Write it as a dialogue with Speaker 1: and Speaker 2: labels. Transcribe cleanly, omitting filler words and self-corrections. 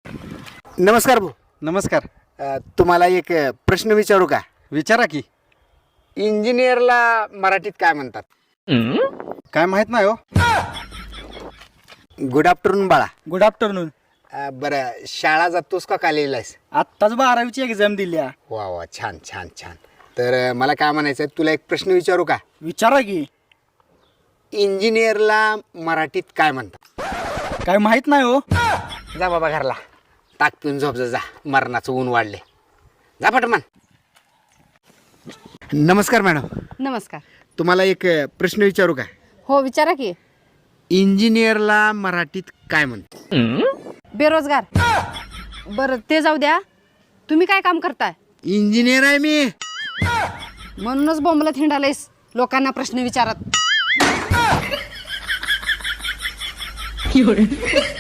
Speaker 1: नमस्कार भाऊ.
Speaker 2: नमस्कार.
Speaker 1: तुम्हाला एक प्रश्न विचारू का?
Speaker 2: विचारा की.
Speaker 1: इंजिनियरला मराठीत काय म्हणतात?
Speaker 2: काय माहित नाही हो.
Speaker 1: गुड आफ्टरनून बाळा.
Speaker 2: Good afternoon.
Speaker 1: बरं, शाळा जातोस का कॉलेजलास?
Speaker 2: आत्ताच 12वीची एक्झाम दिली.
Speaker 1: वा वा, छान छान छान. तर मला काय म्हणायचं आहे, तुला एक प्रश्न विचारू का?
Speaker 2: विचारा की.
Speaker 1: इंजिनियरला मराठीत काय म्हणतात?
Speaker 2: काय माहित नाही हो.
Speaker 1: जा बाबा घरला, ताक पिऊन झोप जा, मरणाचं ऊन वाढले. जा पटमान. नमस्कार मॅडम.
Speaker 3: नमस्कार.
Speaker 1: तुम्हाला एक प्रश्न विचारू का?
Speaker 3: हो विचारा की.
Speaker 1: इंजिनियरला मराठीत काय म्हणतात?
Speaker 3: बेरोजगार. बरं ते जाऊ द्या, तुम्ही काय काम करताय?
Speaker 1: इंजिनियर आहे मी.
Speaker 3: म्हणूनच बोंबलत हिंडालेस लोकांना प्रश्न विचारत.